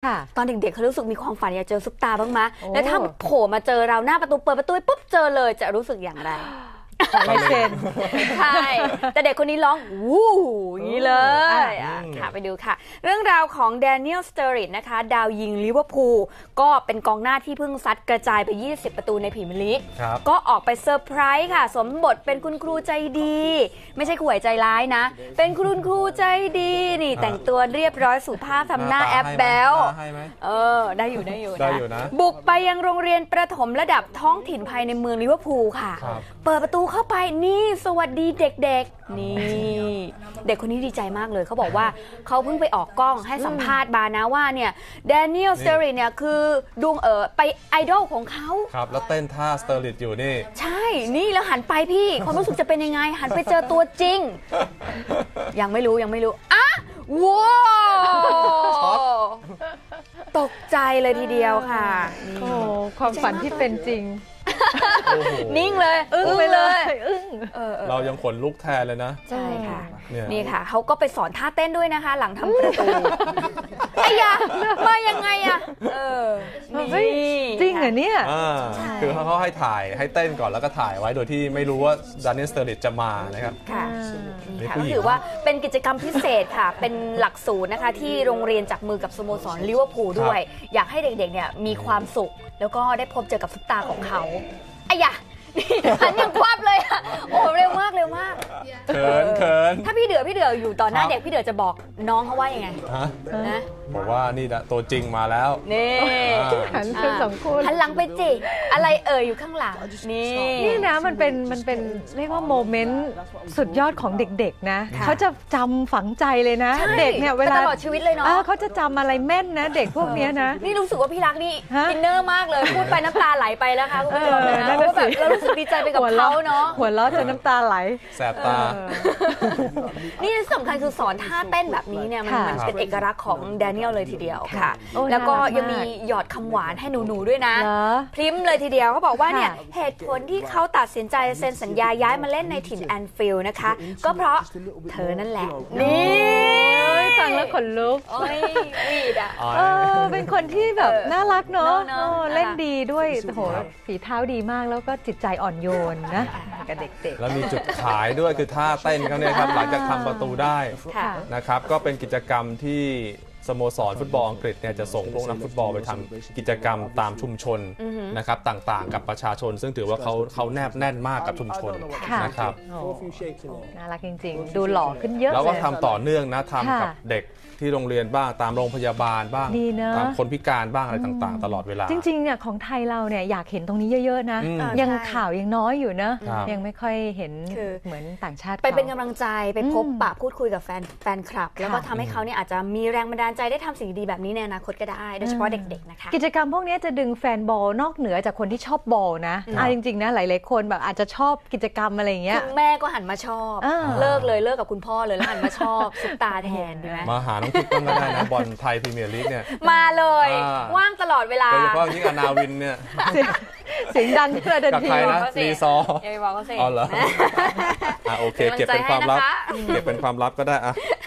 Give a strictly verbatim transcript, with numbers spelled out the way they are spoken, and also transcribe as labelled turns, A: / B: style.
A: ตอนเด็กๆเขารู้สึกมีความฝันอยากเจอซุปตาบ้างไหมแล้วถ้าโผล่มาเจอเราหน้าประตูเปิดประตูปุ๊บเจอเลยจะรู้สึกอย่างไร
B: ลายเซ็น
A: ใช่แต่เด็กคนนี้ร้องวู้อย่างนี้เลยค่ะไปดูค่ะเรื่องราวของแดเนียล สเตอร์ริดนะคะดาวยิงลิเวอร์พูลก็เป็นกองหน้าที่เพิ่งซัดกระจายไปยี่สิบประตูในพรีเมียร์ลีกก็ออกไปเซอร์ไพรส์ค่ะสวมบทเป็นคุณครูใจดีไม่ใช่ครูใจร้ายนะเป็นคุณครูใจดีนี่แต่งตัวเรียบร้อยสุภาพทำหน้าแอปแบลเออได้อยู่ได้อยู่นะบุกไปยังโรงเรียนประถมระดับท้องถิ่นภายในเมืองลิเวอร์พูลค่ะเปิดประตูเข้าไปนี่สวัสดีเด็กๆนี่เด็กคนนี้ดีใจมากเลยเขาบอกว่าเขาเพิ่งไปออกกล้องให้สัมภาษณ์มานะว่าเนี่ยแดเนียล สเตอร์ริดเนี่ยคือดวงเอ๋อไปไอดอลของเขา
C: ครับแล้วเต้นท่าสเตอร์ริดอยู่นี่
A: ใช่นี่แล้วหันไปพี่ความรู้สึกจะเป็นยังไงหันไปเจอตัวจริงยังไม่รู้ยังไม่รู้อ่ะว้าวตกใจเลยทีเดียวค่ะ
B: โอ้ความฝันที่เป็นจริง
A: นิ่งเลยอึ้งไปเลยอึ้ง
C: เรายังขนลุกแทนเลยนะ
A: ใช่ค่ะนี่ค่ะเขาก็ไปสอนท่าเต้นด้วยนะคะหลังทำประตูไอ้ยามายังไงอะเออ
B: จริงเหรอเนี่ย
C: คือเขาให้ถ่ายให้เต้นก่อนแล้วก็ถ่ายไว้โดยที่ไม่รู้ว่าแดเนียล สเตอร์ริดจะมานะครับ
A: ค่ะนี่ค่ะก็ถือว่าเป็นกิจกรรมพิเศษค่ะเป็นหลักสูตรนะคะที่โรงเรียนจับมือกับสโมสรลิเวอร์พูลด้วยอยากให้เด็กๆเนี่ยมีความสุขแล้วก็ได้พบเจอกับซุปตาของเขาไอ้ยะหันยังควับเลยอ่ะโอ้เร็วมากเร็วมาก
C: เขินเขิน
A: ถ้าพี่เดือพี่เดืออยู่ตอนหน้าเด็กพี่เดือจะบอกน้องเขาว่ายังไง
C: นะบอกว่านี่นะตัวจริงมาแล้ว
A: นี่
B: หันเป็นสองคน
A: หันหลังไปจิอะไรเอ่ยอยู่ข้างหลังนี่
B: นี่นะมันเป็นมันเป็นเรียกว่าโมเมนต์สุดยอดของเด็กๆนะเขาจะจำฝังใจเลยนะเด็กเนี่ยเวลา
A: ตลอดชีวิตเลยเนาะ
B: เขาจะจำอะไรแม่นนะเด็กพวกนี้นะ
A: นี่รู้สึกว่าพี่รักนี่อินเนอร์มากเลยพูดไปน้ำตาไหลไปแล้วค่ะคุณผู้ชมนะเพราะแบบเรารู้สึกดีใจไปกับเขาเนาะ
B: หัวเราะจนน้ำตาไหล
C: แสบตา
A: นี่สำคัญคือสอนท่าเต้นแบบนี้เนี่ยมันเป็นเอกลักษณ์ของแดเนียลเลยทีเดียวค่ะแล้วก็ยังมีหยอดคำหวานให้หนูๆด้วยนะพริ้มเลยทีเดียวเขาบอกว่าเนี่ยเหตุผลที่เขาตัดสินใจเซ็นสัญญาย้ายมาเล่นในถิ่นแอนฟิลด์นะคะก็เพราะเธอนั่นแหละนี่
B: ฟังแล้วขนลุก
A: โอ้ยวีดอ่ะ
B: เป็นคนที่แบบน่ารักเนาะเล่นดีด้วยโหฝีเท้าดีมากแล้วก็จิตใจอ่อนโยนนะกับเด็กๆ
C: แล้วมีจุดขายด้วยคือท่าเต้นเขาเนี่ยครับหลังจากทำประตูได้นะครับก็เป็นกิจกรรมที่สโมสรฟุตบอลอังกฤษเนี่ยจะส่งพวกนักฟุตบอลไปทำกิจกรรมตามชุมชนนะครับต่างๆกับประชาชนซึ่งถือว่าเขาเขาแนบแน่นมากกับชุมชนนะครับ
B: น่ารักจริงๆดูหล่อขึ้นเยอะ
C: แล้วก็ทำต่อเนื่องนะทำกับเด็กที่โรงเรียนบ้างตามโรงพยาบาลบ้างตามคนพิการบ้างอะไรต่างๆตลอดเวลา
B: จริงๆเนี่ยของไทยเราเนี่ยอยากเห็นตรงนี้เยอะๆนะยังข่าวยังน้อยอยู่นะยังไม่ค่อยเห็นเหมือนต่างชาติ
A: ไปเป็นกำลังใจไปพบปะพูดคุยกับแฟนแฟนคลับแล้วก็ทำให้เขาเนี่ยอาจจะมีแรงบันดาลใจได้ทำสิ่งดีแบบนี้ในอนาคตก็ได้โดยเฉพาะเด็กๆนะคะ
B: กิจกรรมพวกนี้จะดึงแฟนบอลนอกเหนือจากคนที่ชอบบอลนะอ่าจริงๆนะหลายๆคนแบบอาจจะชอบกิจกรรมอะไรอย่างเงี้ย
A: แม่ก็หันมาชอบเลิกเลยเลิกกับคุณพ่อเลยแล้วหันมาชอบซุปตาแทนใช่ไหม
C: มาหาน้องคุกก็ได้นะบอลไทยพรีเมียร์ลีกเนี่ย
A: มาเลยว่างตลอดเวลา
C: โดยเฉพาะยิ่งอนาวินเนี่ย
B: เสียงดังเพื่อเดินที
C: นะรีซออ๋อเหรอโอเคเก็บเป็นความลับเก็บเป็นความลับก็ได้อะ